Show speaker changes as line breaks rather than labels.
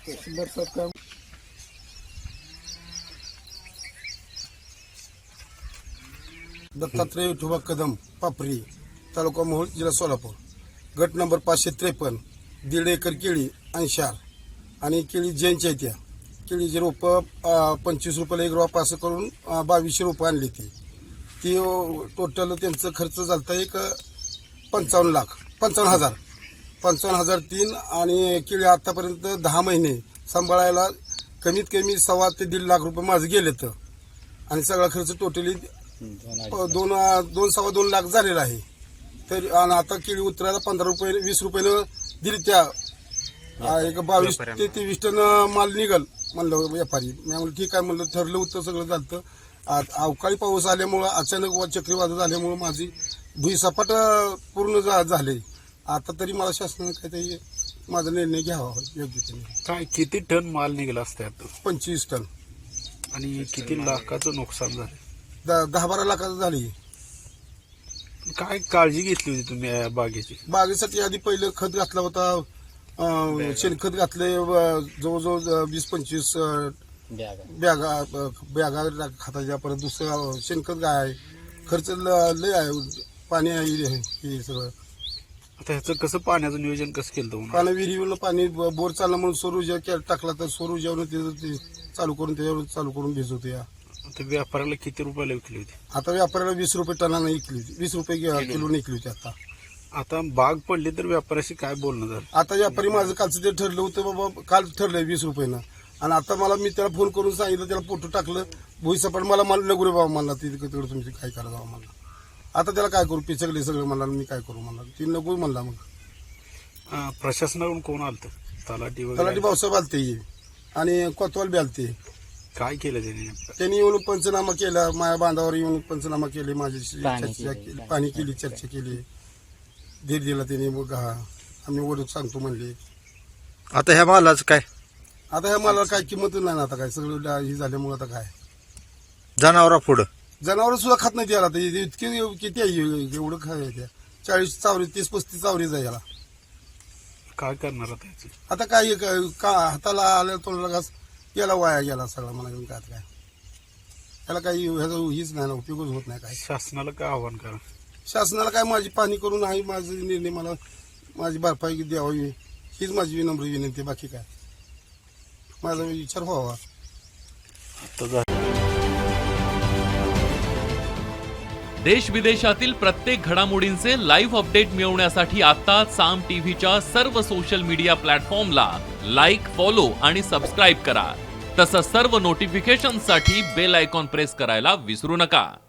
तहसीलदार काम
दत्तात्रय विठोबा कदम पापरी तालुका मोहोळ जिल्हा सोलापूर गट नंबर 553 1.5 एकर केळी अंशार आणि केळी जैनच्या त्या केळीची रोपं 25 रुपयाला एक रोप असं करून 2200 रोपं आणली ती टोटल त्यांचं खर्च झालता एक 55,000 3 आणि केळी आतापर्यंत 10 महिने सांभाळायला कमीत कमी 1.25 ते 1.5 लाख रुपये माझं गेले तर आणि सगळा खर्च टोटली 2.5 लाख झालेला आहे. तर आणि आता केळी उतरायला 15 रुपये 20 रुपयानं दिली त्या एक 22 ते 23 टन माल निघल म्हणलं व्यापारी. मी म्हणलं ठीक आहे म्हणलं ठरलं होतं सगळं झालं. अवकाळी पाऊस आल्यामुळं अचानक चक्रीवादळ झाल्यामुळं माझी भुईसपाट पूर्ण झाले. आता तरी मला शासनाने काहीतरी माझा निर्णय घ्यावा योग्यतेने.
काय किती टन माल निघाला असतात
25 टन
आणि किती लाखाचं नुकसान झालं?
10-12 लाखाचं झाली.
काय काळजी घेतली होती तुम्ही या बागेची?
बागेसाठी आधी पहिलं खत घातला होता, शेणखत घातले जवळजवळ 20-25 बॅगा खताच्या. परत दुसरं शेणखत आहे, खर्च लय आहे, पाणी आहे हे सगळं.
आता ह्याचं कसं पाण्याचं नियोजन कसं केलं तुम्ही?
पाणी विहिरीवरलं पाणी बोर चालला म्हणून सौर ऊर्जा टाकला तर सौर ऊर्जावरून ते चालू करून त्याच्यावर चालू करून भिजवतो. या
आता व्यापाऱ्याला किती रुपयाला विकली होती?
आता व्यापाऱ्याला 20 रुपये टनानं विकली होती, 20 रुपये किलो विकली होती.
आता बाग पडली तर व्यापाऱ्याशी काय बोलणं झालं?
आता व्यापारी माझं कालचं ते ठरलं होतं बाबा, काल ठरलंय 20 रुपयानं. आणि आता मला मी त्याला फोन करून सांगितलं, त्याला फोटो टाकलं भुईसपाट. मला नको रे बाबा म्हणला, तिकडे तुमची काय करा जावं म्हणला. आता त्याला काय करू, पिचकले सगळं म्हणला, मी काय करू म्हणला, ती नको म्हणला. मग
प्रशासनाकडून कोण आलतं? तलाठी
भाऊसाहेब आलते आणि कोतवाल बी आलते.
काय केलं
त्यांनी येऊन पंचनामा केला, माझ्या बांधावर येऊन पंचनामा केले, माझ्याशी पाणी केली, चर्चा केली, धीर दिला त्यांनी. मग आम्ही ओढत सांगतो म्हणले.
आता ह्या मालाचं काय?
आता ह्या मला काय किंमत नाही ना. आता काय सगळं हे झाल्यामुळे आता काय
जनावरा पुढं
जनावर सुद्धा खात नाही त्याला. आता इतके किती आहे एवढं खाय त्या 40 चावरी 30-35 चावरीच आहे याला.
काय करणार आता?
आता काय हाताला आल्या तोंडाला घास याला वाया गेला सगळा. मला घेऊन काय काय याला काही ह्याचा हीच नाही ना, उपयोगच होत नाही. काय
शासनाला काय आव्हान करा?
शासनाला काय माझी पाहणी करून आहे, माझा निर्णय मला माझी भरपाई द्यावी हीच माझी विनम्र विनंती. बाकी काय माझा विचार व्हावा.
देश विदेशातील प्रत्येक घडामोडींचे लाईव्ह अपडेट मिळवण्यासाठी आता साम टीव्हीच्या सर्व सोशल मीडिया प्लॅटफॉर्मला लाईक, फॉलो आणि सबस्क्राईब करा. तसंच सर्व नोटिफिकेशनसाठी बेल आयकॉन प्रेस करायला विसरू नका.